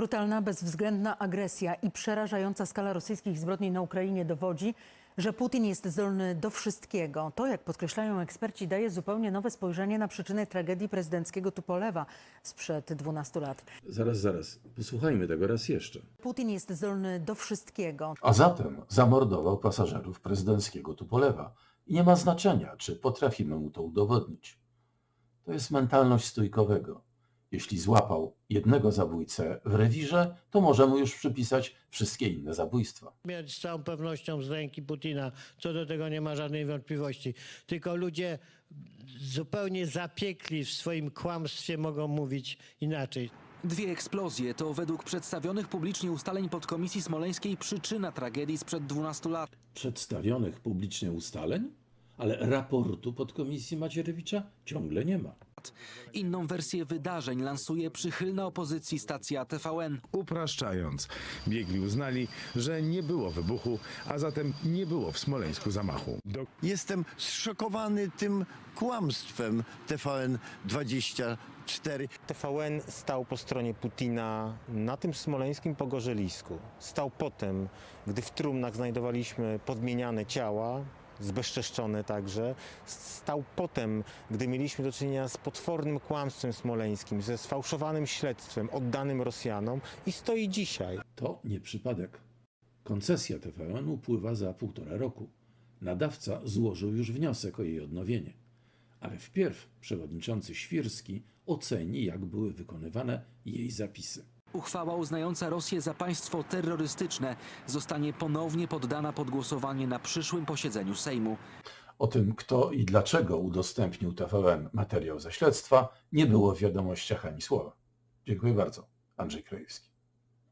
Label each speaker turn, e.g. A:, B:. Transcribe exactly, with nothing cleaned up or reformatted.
A: Brutalna, bezwzględna agresja i przerażająca skala rosyjskich zbrodni na Ukrainie dowodzi, że Putin jest zdolny do wszystkiego. To, jak podkreślają eksperci, daje zupełnie nowe spojrzenie na przyczynę tragedii prezydenckiego Tupolewa sprzed dwunastu lat.
B: Zaraz, zaraz. Posłuchajmy tego raz jeszcze.
A: Putin jest zdolny do wszystkiego.
C: A zatem zamordował pasażerów prezydenckiego Tupolewa i nie ma znaczenia, czy potrafimy mu to udowodnić. To jest mentalność stójkowego. Jeśli złapał jednego zabójcę w rewirze, to może mu już przypisać wszystkie inne zabójstwa.
D: Mieć z całą pewnością z ręki Putina, co do tego nie ma żadnej wątpliwości. Tylko ludzie zupełnie zapiekli w swoim kłamstwie mogą mówić inaczej.
E: Dwie eksplozje to według przedstawionych publicznie ustaleń podkomisji smoleńskiej przyczyna tragedii sprzed dwunastu lat.
B: Przedstawionych publicznie ustaleń? Ale raportu podkomisji Macierewicza ciągle nie ma.
E: Inną wersję wydarzeń lansuje przychylna opozycji stacja T V N.
F: Upraszczając, biegli uznali, że nie było wybuchu, a zatem nie było w Smoleńsku zamachu. Do...
G: Jestem zszokowany tym kłamstwem T V N dwadzieścia cztery.
H: T V N stał po stronie Putina na tym smoleńskim pogorzelisku. Stał potem, gdy w trumnach znajdowaliśmy podmieniane ciała, zbezczeszczone także. Stał potem, gdy mieliśmy do czynienia z potwornym kłamstwem smoleńskim, ze sfałszowanym śledztwem oddanym Rosjanom i stoi dzisiaj.
B: To nie przypadek. Koncesja T V N upływa za półtora roku. Nadawca złożył już wniosek o jej odnowienie. Ale wpierw przewodniczący Świrski oceni, jak były wykonywane jej zapisy.
E: Uchwała uznająca Rosję za państwo terrorystyczne zostanie ponownie poddana pod głosowanie na przyszłym posiedzeniu Sejmu.
C: O tym, kto i dlaczego udostępnił T V N materiał ze śledztwa, nie było w wiadomościach ani słowa. Dziękuję bardzo. Andrzej Krajewski.